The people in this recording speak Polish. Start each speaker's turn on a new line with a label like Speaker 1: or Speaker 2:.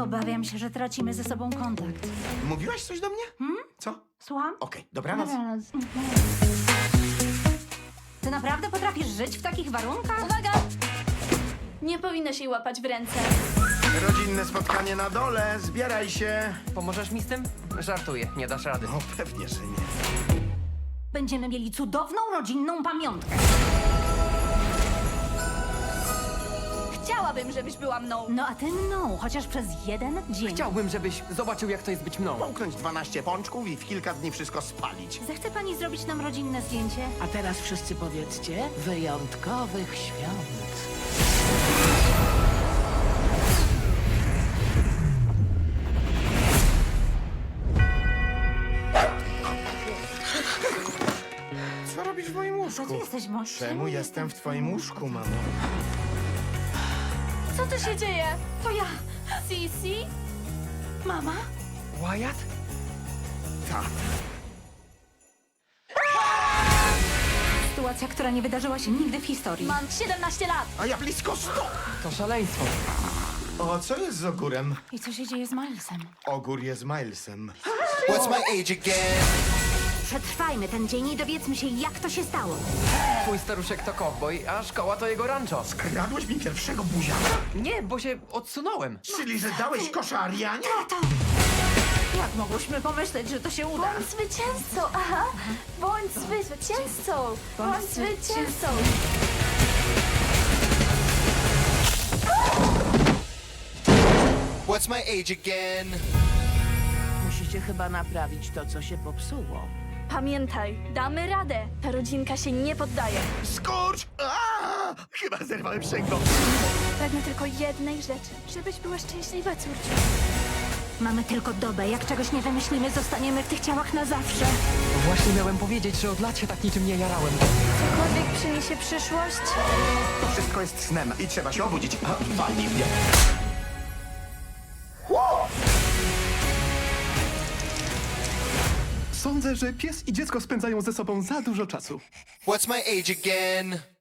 Speaker 1: Obawiam się, że tracimy ze sobą kontakt.
Speaker 2: Mówiłaś coś do mnie? Co?
Speaker 1: Słucham?
Speaker 2: Okej, dobranoc.
Speaker 1: Dobranoc. Ty naprawdę potrafisz żyć w takich warunkach?
Speaker 3: Uwaga! Nie powinnaś jej łapać w ręce.
Speaker 2: Rodzinne spotkanie na dole, zbieraj się.
Speaker 4: Pomożesz mi z tym? Żartuję, nie dasz rady.
Speaker 2: No pewnie, że nie.
Speaker 1: Będziemy mieli cudowną rodzinną pamiątkę.
Speaker 3: Chciałabym, żebyś była mną.
Speaker 1: No a ty mną, chociaż przez jeden dzień.
Speaker 4: Chciałbym, żebyś zobaczył, jak to jest być mną.
Speaker 2: Połknąć 12 pączków i w kilka dni wszystko spalić.
Speaker 1: Zechce pani zrobić nam rodzinne zdjęcie?
Speaker 5: A teraz wszyscy powiedzcie wyjątkowych świąt.
Speaker 2: Co robisz w moim łóżku?
Speaker 1: Co ty jesteś mąż?
Speaker 2: Czemu jestem w twoim łóżku, mamo?
Speaker 3: Co tu się dzieje?
Speaker 1: To ja,
Speaker 3: Sisi?
Speaker 1: mama.
Speaker 4: Wyatt?
Speaker 2: Tak.
Speaker 1: Sytuacja, która nie wydarzyła się nigdy w historii.
Speaker 3: Mam 17 lat.
Speaker 2: A ja blisko 100!
Speaker 4: To szaleństwo.
Speaker 2: O, co jest z ogórem?
Speaker 1: I co się dzieje z Milesem?
Speaker 2: Ogór jest Milesem.
Speaker 6: What's my age again?
Speaker 1: Przetrwajmy ten dzień i dowiedzmy się, jak to się stało.
Speaker 4: Twój staruszek to cowboy, a szkoła to jego rancho.
Speaker 2: Kradłeś mi pierwszego buziaka?
Speaker 4: Nie, bo się odsunąłem.
Speaker 2: Czyli, że dałeś kosza Arianie?
Speaker 1: Tato! Jak mogłyśmy pomyśleć, że to się uda?
Speaker 3: Bądź zwycięzcą, aha. Bądź zwycięzcą. Bądź zwycięzcą.
Speaker 6: What's my age again?
Speaker 5: Musicie chyba naprawić to, co się popsuło.
Speaker 3: Pamiętaj, damy radę. Ta rodzinka się nie poddaje.
Speaker 2: Skurcz! Aaa! Chyba zerwałem przęgło.
Speaker 3: Pragnę tylko jednej rzeczy. Żebyś była szczęśliwa, córciu.
Speaker 1: Mamy tylko dobę. Jak czegoś nie wymyślimy, zostaniemy w tych ciałach na zawsze.
Speaker 4: Właśnie miałem powiedzieć, że od lat się tak niczym nie jarałem.
Speaker 3: Cokolwiek przyniesie przyszłość,
Speaker 2: To wszystko jest snem i trzeba się obudzić. Walnij mnie.
Speaker 7: Sądzę, że pies i dziecko spędzają ze sobą za dużo czasu.
Speaker 6: What's my age again?